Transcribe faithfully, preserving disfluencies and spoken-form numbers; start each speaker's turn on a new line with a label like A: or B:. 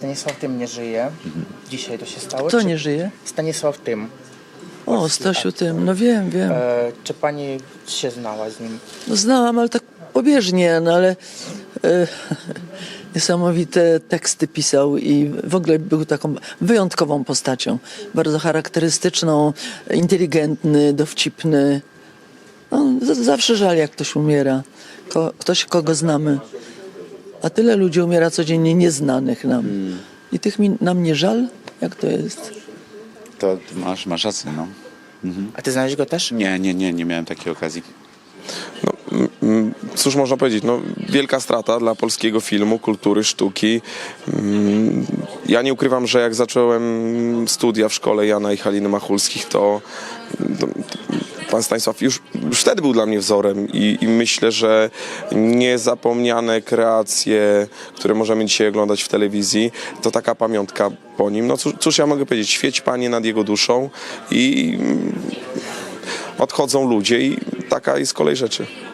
A: Stanisław Tym nie żyje. Dzisiaj to się stało.
B: Kto
A: Czy-
B: nie żyje?
A: Stanisław Tym.
B: O, Stasiu Tym, no wiem, wiem.
A: E, czy pani się znała z nim?
B: No znałam, ale tak pobieżnie, no ale e, niesamowite teksty pisał i w ogóle był taką wyjątkową postacią. Bardzo charakterystyczną, inteligentny, dowcipny. No, z- zawsze żal, jak ktoś umiera. Ko, ktoś, kogo znamy. A tyle ludzi umiera codziennie nieznanych nam. I tych mi, nam nie żal? Jak to jest?
C: To masz, masz rację, no.
A: A ty znałeś go też?
C: Nie, nie, nie, nie miałem takiej okazji.
D: No, mm, cóż można powiedzieć, no, wielka strata dla polskiego filmu, kultury, sztuki. Mm, Ja nie ukrywam, że jak zacząłem studia w szkole Jana i Haliny Machulskich, to, to pan Stanisław już, już wtedy był dla mnie wzorem i, i myślę, że niezapomniane kreacje, które możemy dzisiaj oglądać w telewizji, to taka pamiątka po nim. No cóż, cóż ja mogę powiedzieć, świeć Panie nad jego duszą i mm, odchodzą ludzie i taka jest kolej rzeczy.